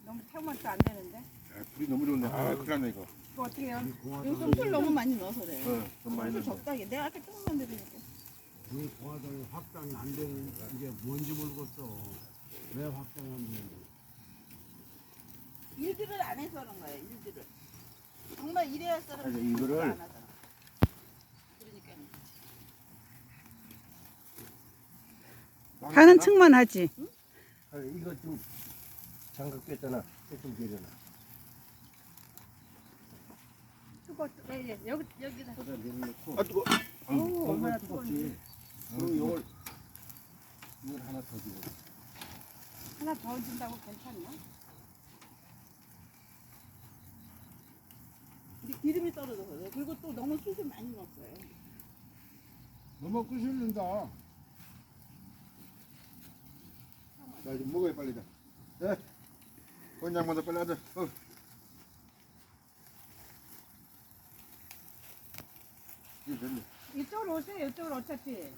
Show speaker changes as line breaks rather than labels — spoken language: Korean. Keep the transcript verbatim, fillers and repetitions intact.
너무 태우면 또 안 되는데.
아, 불이 너무 좋네. 아, 큰일 났네, 이거.
이거 어떻게 해요?
이거 솜술 너무 많이 넣어서 그래.
어, 너무 많이
솜술
넣었네.
적당히. 내가 아까 조금만 드리니까.
그 공화당이 확장이 안 되는 이게 뭔지 모르겠어. 왜 확장이 안 되는지.
일들을 안 해서 그런 거예요. 일들을. 정말 일해야 할 사람은
아니, 이거를-
안 하잖아. 그러니까.
가는 층만 하지.
아, 이거 좀 장갑 꼈잖아. 좀 내려놔.
그거 예, 예. 여기 여기다.
거기다 내려놓고.
아, 뜨거.
어우, 얼마나
뜨겁지.
뜨거운지.
그리고 이걸 이걸 하나 더 주고.
하나 더 준다고 괜찮나?
근데 기름이 떨어져서 그래. 그리고 또 너무 숯을 많이 넣었어요.
너무 끄실린다.
자, 이제 먹어야 빨리 자. 예. 권장마다 빨리 하자. 어. 이거 됐네.
이쪽으로 오세요. 이쪽으로 어차피.